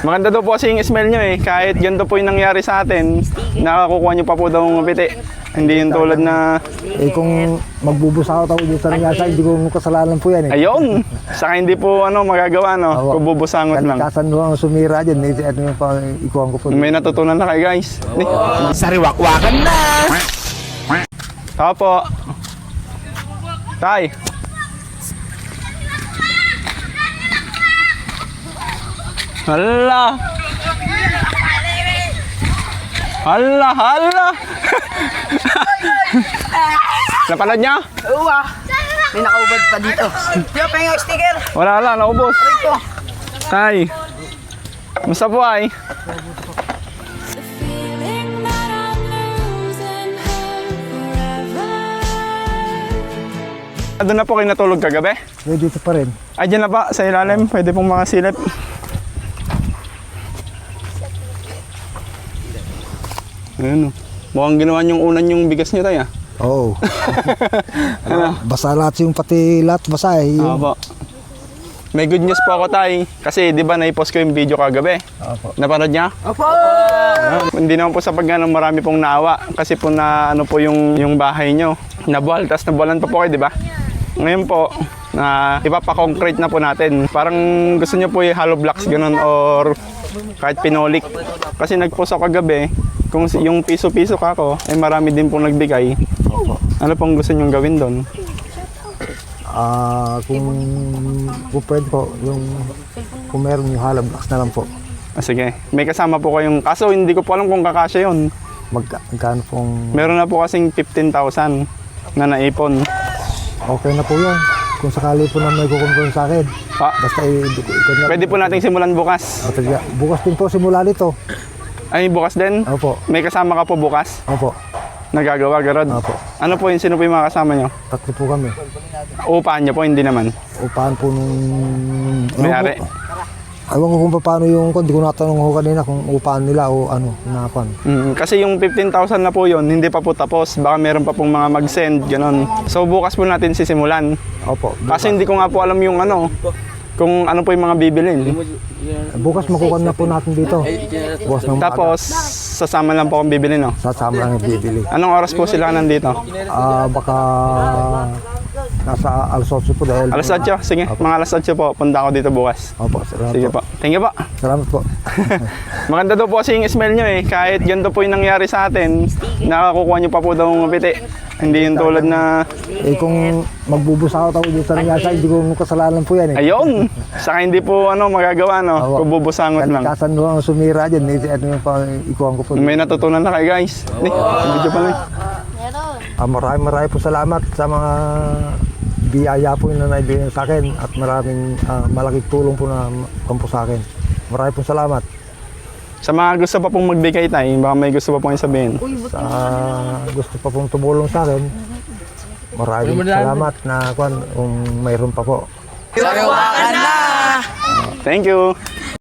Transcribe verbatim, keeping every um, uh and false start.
Maganda daw po kasi yung smell nyo eh. Kahit ganito po yung nangyari sa atin, nakakukuha nyo pa po daw ng piti. Hindi yung tulad na... Eh kung magbubusakot ako dito sa nangyasa, hindi ko kasalanan po yan eh. Ayun! Saka hindi po ano magagawa no, Opo. kung bubusangot lang. Kalikasan mo ang sumira dyan, eh, ano yung pa, ikuhan ko po. May natutunan na kayo guys. Sariwakwakan na! Tao po. Tay. Hala. Hala, hala. Napanood niya? Oo ah. May nakaubad pa dito. Yo, pengen sticker. Wala, wala, naubos. Ito. Tay. Musta po ay? Doon na po kayo natulog kagabi? Eh, dito pa rin. Ay, dyan na pa, sa ilalim. Pwede pong makasilip. Ayan o. Mukhang ginawa niyong unan yung bigas niyo tayo. Oo. Oh. Basa lahat yung pati lahat basa eh. Yung... Opo. May good news po ako tay. Kasi di ba naipost ko yung video kagabi? Opo. Napanood niya? Opo. Ah, hindi naman po sa pagganang marami pong naawa. Kasi po na ano po yung, yung bahay nyo. Nabuhal, tapos nabuhalan pa po kayo, di ba? Ngayon po, na ipapa-concrete na po natin. Parang gusto nyo po yung hollow blocks ganun or kahit pinolik. Kasi nag-post ako kagabi, kung yung piso-piso ka ako, eh marami din pong nagbigay. Ano pong gusto nyong gawin doon? Ah, kung, kung pwede po, yung kung meron yung hollow blocks na lang po. Ah, sige, may kasama po kayong, kaso hindi ko po alam kung kakasya yun. Magka, magkano pong... Meron na po kasing fifteen thousand na naipon. Okay na po yun. Kung sakali po na may kukumpon sa akin. Ah, Basta i- ikon na. pwede po nating simulan bukas. Matagya. Bukas din po simula nito. Ay, bukas din? Opo. May kasama ka po bukas? Opo. Nagagawa, Garod? Opo. Ano po yun? Sino po yung mga kasama nyo? Tatlo po kami. Upahan nyo po, hindi naman. Upahan po nung... May-ari. Ewan ko kung paano yung... Hindi ko natanong ko kanina kung upahan nila o ano. Nakuan. Mm, kasi yung fifteen thousand na po yun, hindi pa po tapos. Baka meron pa pong mga mag-send, gano'n. So bukas po natin sisimulan. Opo. Kasi hindi ko nga po alam yung ano, kung ano po yung mga bibilin. Bukas makukuha na po natin dito. Bukas ng Tapos, sasama lang po akong bibili, no? sasama lang yung bibili. Anong oras po sila nandito? Ah, baka nasa alas otso po dahil... Alas otso? Sige, mga alas otso po. Punta ako dito bukas. Opo, salamat Sige po. po. Thank you po. Salamat po. Maganda daw po kasi yung smell nyo eh. Kahit ganito po yung nangyari sa atin, nakakukuha nyo pa po daw ng piti. Hindi yung tulad na... Eh kung magbubusakot ako dito sa nangyasa, hindi ko kasalanan po yan eh. Ayun! Saka hindi po ano magagawa, no? Opo. Kung bubusangot lang. Kalikasan mo ang sumira dyan, eh, ano yung pa, ikuhan ko po. May natutunan na kayo guys. Hindi, video pa lang. Ah, maraming maraming po salamat sa mga biyaya po na naibigay sa akin at maraming ah, malaking tulong po na kampo sa akin. Maraming po salamat. Sa mga gusto pa pong magbigay tayo, baka may gusto pa pong sabihin. Sa gusto pa pong tumulong sa akin, maraming salamat na kung, kung mayroon pa po. Sariwakwakan na! Thank you!